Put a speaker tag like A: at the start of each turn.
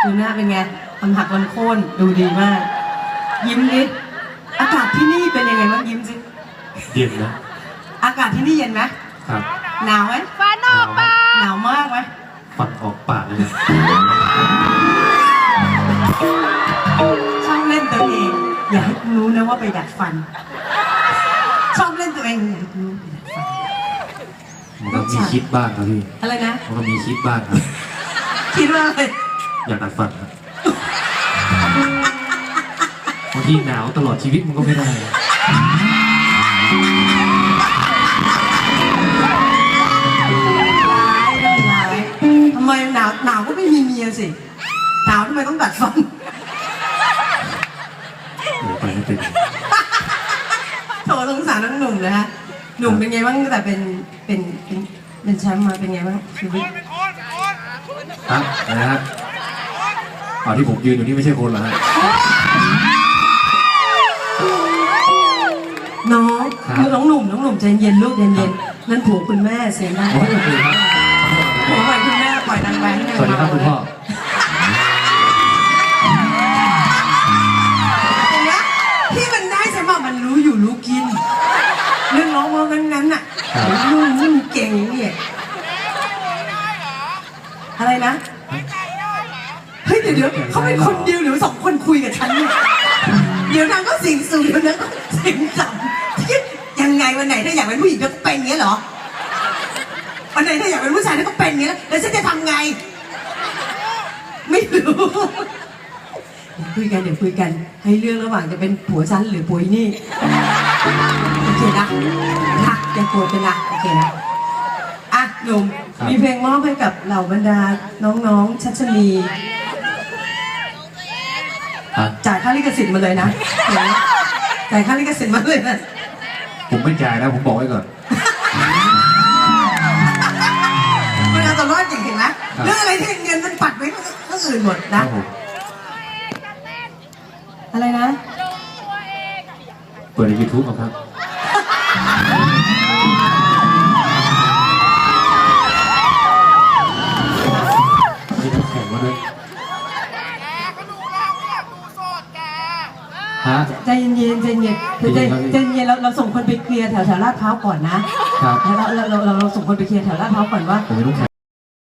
A: ดูหน้าเป็นไงลำหักลำโค่นดูดีมาก ยิ้มนิดอากาศที่นี่เป็นยังไงบ้างยิ้มสิ
B: เย็นนะ
A: อากาศที่นี่เย็นไหม
B: ครับ
A: หนาวไหม
C: ฟันออกปาก
A: หนาวมากไหม
B: ฟันออกปากเลย
A: ชอบเล่นตัวเองอย่าให้กูรู้นะว่าไปดัดฟันชอบเล่นตัวเองอย่าให้กูรู้ไปดัดฟัน
B: มันก็มีคิดบ้างครับพี่
A: อะไรนะ
B: มันก็มีคิดบ้างครับ
A: คิดว่าอะไร
B: อยากดัดฟันครับบางทีหนาวตลอดชีวิตมันก็ไม่ได้
A: ทำไมหนาวก็ไม่มีเมียสิหนาวทำไมต้องดัดฟัน
B: ไปไม่เป็น
A: โถสงสารน้องหนุ่มนะฮะหนุ่มเป็นไงบ้างแต่เป็นแชมป์มาเป็นไงบ้างชีวิต
B: ฮะอะไรฮะที่ผมยืนอยู่นี่ไม่ใช่คนเหรอฮะ
A: น้องคือน้องหนุ่มใจเย็นลูกเย็นนั่นผัวคุณแม่เสียงดังผัวใหม่คุณแม่ปล่อยดังไปให้
B: สวัสดีครับคุณพ่อ
A: ที่มันได้ใช่ไหมมันรู้อยู่รู้กินเรื่องร้องว่างั้นน่ะลูกนี่เก่งเนี่ยอะไรนะเฮ้ยเดี๋ยวเขาเป็นคนเดียวหรือ2 คนคุยกับฉันเนี่ยเดี๋ยวนางก็สิ่งสูงเดี๋ยวนั้นก็สิ่งต่ำยังไงวันไหนถ้าอยากเป็นผู้หญิงก็เป็นอย่างนี้เหรอวันไหนถ้าอยากเป็นผู้ชายก็เป็นอย่างนี้แล้วฉันจะทำไงไม่รู้เดี๋ยวคุยกันให้เรื่องระหว่างจะเป็นผัวฉันหรือผัวนี่โอเคนะอย่าโกรธกันนะโอเคนะอ่ะหนุ่มมีเพลงมอบให้กับเหล่าบรรดาน้องๆชัชนีจ่ายค่าลิขสิทธิ์มาเลยนะจ่ายค่าลิขสิทธิ์มาเลยนะ
B: ผมไม่จ่ายนะผมบอกไว้ก่อน
A: มันเอาตัวรอดจริงเห็นไหมเรื่องอะไรที่เงินมันปัดไว้ก็อื่นหมดนะอะไรนะ
B: เปิดใน YouTube ครับมีน้ำแข็งมาด้วย
A: ใจเย็นเราส่งคนไปเคลียร์แถวลาดพร้าวก่อนนะครับเราส่งคนไปเคลียร์แถวลาดพร้าวก่อนว่า